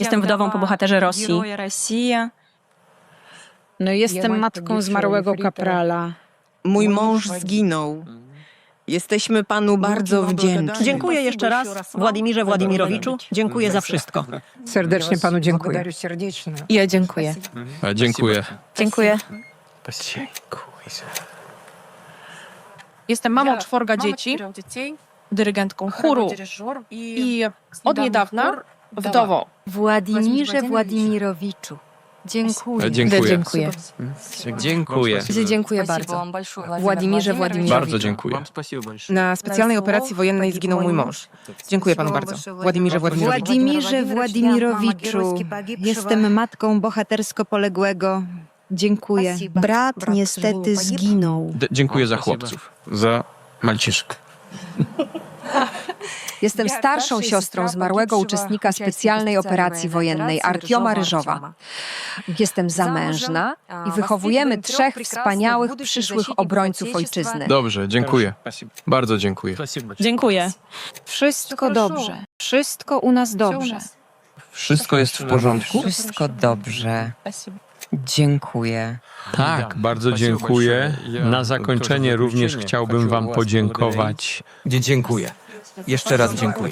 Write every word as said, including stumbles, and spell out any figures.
Jestem wdową po bohaterze Rosji. No jestem matką zmarłego kaprala. Mój mąż zginął. Jesteśmy panu bardzo wdzięczni. Dziękuję jeszcze raz, Władimirze Władimirowiczu. Dziękuję za wszystko. Serdecznie panu dziękuję. Ja dziękuję. A, dziękuję. Dziękuję. Jestem mamą czworga dzieci, dyrygentką chóru i od niedawna wdową. Władimirze Władimirowiczu. Dziękuję. A, dziękuję. Dziękuję. Dziękuję. Dziękuję bardzo. Władimirze Władimirowiczu. Bardzo dziękuję. Na specjalnej operacji wojennej zginął mój mąż. Dziękuję panu bardzo. Władimirze Władimirowiczu. Władimirze Władimirowiczu. Jestem matką bohatersko poległego. Dziękuję. Brat niestety zginął. D dziękuję za chłopców. Za Malciszkę. Jestem starszą siostrą zmarłego uczestnika specjalnej operacji wojennej Artioma Ryżowa. Jestem zamężna i wychowujemy trzech wspaniałych przyszłych obrońców ojczyzny. Dobrze, dziękuję. Bardzo dziękuję. Dziękuję. Wszystko dobrze. Wszystko u nas dobrze. Wszystko jest w porządku? Wszystko dobrze. Dziękuję. Tak, bardzo dziękuję. Na zakończenie również chciałbym wam podziękować. Dziękuję. Jeszcze raz dziękuję.